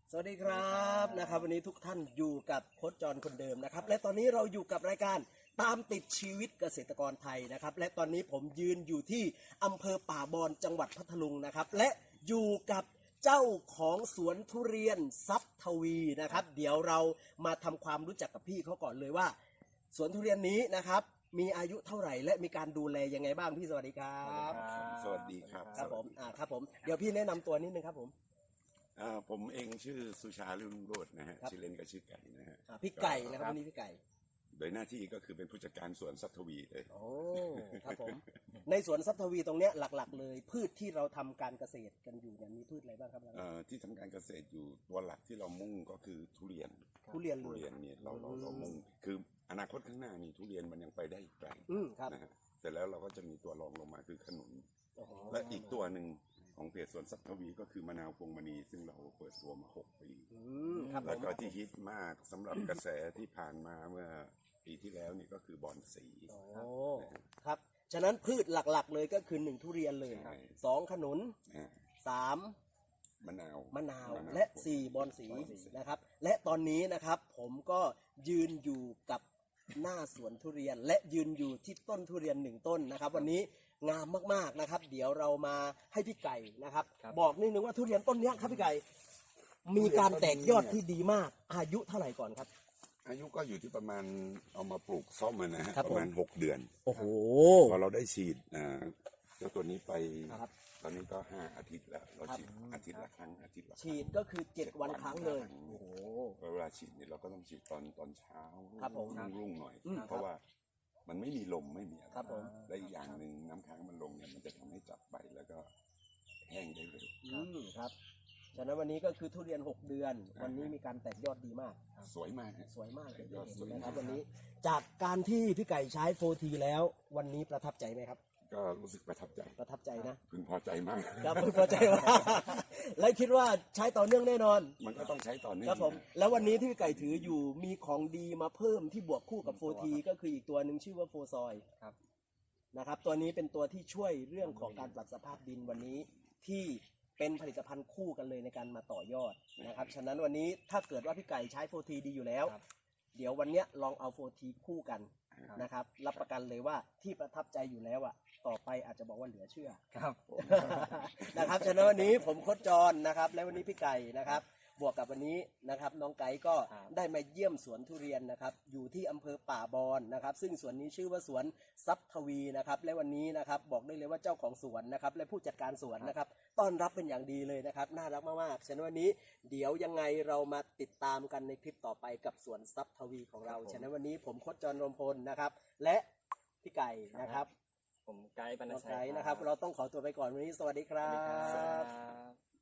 สวัสดีครับนะครับวันนี้ทุกท่านอยู่กับโค้ชจรคนเดิมนะครับและตอนนี้เราอยู่กับรายการตามติดชีวิตเกษตรกรไทยนะครับและตอนนี้ผมยืนอยู่ที่อำเภอป่าบอนจังหวัดพัทลุงนะครับและอยู่กับเจ้าของสวนทุเรียนทรัพย์ทวีนะครับเดี๋ยวเรามาทำความรู้จักกับพี่เขาก่อนเลยว่าสวนทุเรียนนี้นะครับมีอายุเท่าไหร่และมีการดูแลยังไงบ้างพี่สวัสดีครับสวัสดีครับครับผมครับผมเดี๋ยวพี่แนะนำตัวนิดนึงครับผมผมเองชื่อสุชาลุ่งโรจน์นะฮะครับชื่อเล่นก็ชื่อไก่นะฮะพี่ไก่นะครับวันนี้พี่ไก่โดยหน้าที่ก็คือเป็นผู้จัดการสวนทรัพย์ทวีเลยโอ้ครับผมในสวนทรัพย์ทวีตรงเนี้ยหลักๆ เลยพืชที่เราทำการเกษตรกันอยู่เนี่ยมีพืชอะไรบ้างครับที่ทำการเกษตรอยู่ตัวหลักที่เรามุ่งก็คือทุเรียนทุเรียนทุเรียนเนี่ยเรามุ่งคืออนาคตข้างหน้านี่ทุเรียนมันยังไปได้อีกไกลครับนะฮะเสร็จแล้วเราก็จะมีตัวรองลงมาคือขนุนโอ้โหและอีกตัวหนึ่งของเพจสวนทรัพย์ทวีก็คือมะนาวพวงมณีซึ่งเราเปิดตัวมา6 ปีครับผแล้วมก็ที่ฮิตมากสำหรับกระแสที่ผ่านมาเมื่อปีที่แล้วนี่ก็คือบอนสีโอ้ครับฉะนั้นพืชหลักๆ เลยก็คือ1ทุเรียนเลยใช่ 2ขนุนอ่า 3 มะนาวมะนาวและ4บอนสีนะครับและตอนนี้นะครับผมก็ยืนอยู่กับหน้าสวนทุเรียน และยืนอยู่ที่ต้นทุเรียน1ต้นนะครับวันนี้งามมากๆนะครับเดี๋ยวเรามาให้พี่ไก่นะครับบอกนิดนึงว่าทุเรียนต้นเนี้ยครับพี่ไก่มีการแตกยอดที่ดีมากอายุเท่าไหร่ก่อนครับอายุก็อยู่ที่ประมาณเอามาปลูกซ่อมอะนะฮะครับประมาณผม 6 เดือนโอ้โหพอเราได้ฉีดเจ้าตัวนี้ไปครับตอนนี้ก็5 อาทิตย์แล้วเราฉีดอาทิตย์ละครั้งอาทิตย์ละครั้งฉีดก็คือ7 วันครั้งเลยโอ้โหเวลาฉีดเนี่ยเราก็ต้องฉีดตอนเช้าครับผมรุ่งๆหน่อยครับเพราะว่ามันไม่มีลมไม่มีอะไรครับผมและอีกอย่างหนึ่งน้ำค้างมันลงเนี่ยมันจะทำให้จับใบแล้วก็แห้งได้เร็วครับฉะนั้นวันนี้ก็คือทุเรียน6 เดือน วันนี้มีการแตกยอดดีมากสวยมากฮะสวยมากเลยยอดสวยนะครับมากวันนี้จากการที่พี่ไก่ใช้โฟทีแล้ววันนี้ประทับใจไหมครับก็รู้สึกประทับใจประทับใจนะพึงพอใจมากครับพอใจมากและคิดว่าใช้ต่อเนื่องแน่นอนมันก็ต้องใช้ต่อเนื่องครับผมแล้ววันนี้ที่พี่ไก่ถืออยู่มีของดีมาเพิ่มที่บวกคู่กับโฟทีก็คืออีกตัวหนึ่งชื่อว่าโฟซอยครับนะครับตัวนี้เป็นตัวที่ช่วยเรื่องของการปรับสภาพดินวันนี้ที่เป็นผลิตภัณฑ์คู่กันเลยในการมาต่อยอดนะครับฉะนั้นวันนี้ถ้าเกิดว่าพี่ไก่ใช้โฟทีดีอยู่แล้วครับเดี๋ยววันเนี้ยลองเอาโฟทีคู่กันครับนะครับรับประกันเลยว่าที่ประทับใจอยู่แล้วอ่ะต่อไปอาจจะบอกว่าเหลือเชื่อครับนะครับฉะนั้นวันนี้ผมโค้ชจรนะครับและวันนี้พี่ไก่นะครับบวกกับวันนี้นะครับน้องไก่ก็ครับได้มาเยี่ยมสวนทุเรียนนะครับอยู่ที่อำเภอป่าบอนนะครับซึ่งสวนนี้ชื่อว่าสวนทรัพย์ทวีนะครับและวันนี้นะครับบอกได้เลยว่าเจ้าของสวนนะครับและผู้จัดการสวนนะครับต้อนรับเป็นอย่างดีเลยนะครับน่ารักมากๆฉะนั้นวันนี้เดี๋ยวยังไงเรามาติดตามกันในคลิปต่อไปกับสวนทรัพย์ทวีของเราฉะนั้นวันนี้ผมโค้ชจรรมพลนะครับและพี่ไก่นะครับผมไกด์บรรณน้องชัยไก่นะครับเราต้องขอตัวไปก่อนวันนี้สวัสดีครัสวัสดีครับ บ